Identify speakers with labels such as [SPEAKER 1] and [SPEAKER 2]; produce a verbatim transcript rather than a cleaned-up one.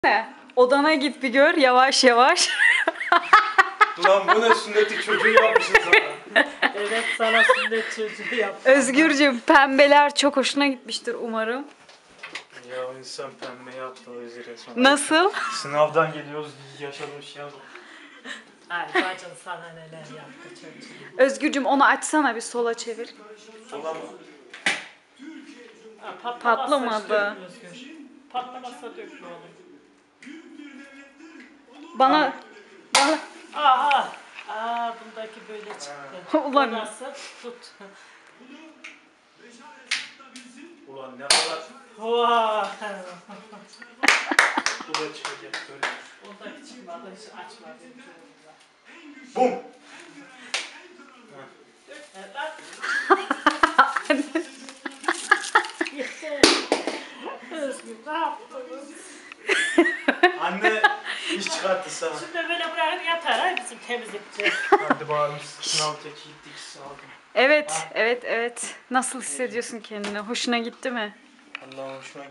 [SPEAKER 1] Ne? Odana git bir gör yavaş yavaş.
[SPEAKER 2] Ulan bu ne sünneti çocuğu yapmışsın sana.
[SPEAKER 3] Evet, sana sünnet çocuğu yaptım.
[SPEAKER 1] Özgürcüğüm pembeler çok hoşuna gitmiştir umarım.
[SPEAKER 2] Ya insan pembe yaptı o üzere sonra.
[SPEAKER 1] Nasıl?
[SPEAKER 2] Sınavdan geliyoruz yaşamış ya.
[SPEAKER 3] Ay bacın sana neler yaptı çocuğum.
[SPEAKER 1] Özgürcüğüm onu açsana bir sola çevir.
[SPEAKER 2] Ulan
[SPEAKER 3] Ha, patlamazsa
[SPEAKER 1] Patlamadı.
[SPEAKER 3] dökme Özgür. Patlamazsa dökme oğlum.
[SPEAKER 1] Bana... Bana...
[SPEAKER 3] Aha. Aa, bundaki böyle çıktı.
[SPEAKER 1] Ulan.
[SPEAKER 3] O nasıl? Tut.
[SPEAKER 2] ulan ne kadar
[SPEAKER 3] Vaa.
[SPEAKER 2] bu da çıkacak böyle.
[SPEAKER 3] Ondaki çıkmadı, hiç açmadı.
[SPEAKER 2] Bum.
[SPEAKER 3] Dökme lan. Özgür ne yaptınız?
[SPEAKER 2] Anne iş çıkarttı sana.
[SPEAKER 3] Şimdi böyle bırakın yatar ha bizim temizlikçi.
[SPEAKER 2] Hadi bağırmış sınav teki gittik sağlık.
[SPEAKER 1] Evet, evet, evet. Nasıl hissediyorsun kendini? Hoşuna gitti mi?
[SPEAKER 2] Allah'ım hoşuma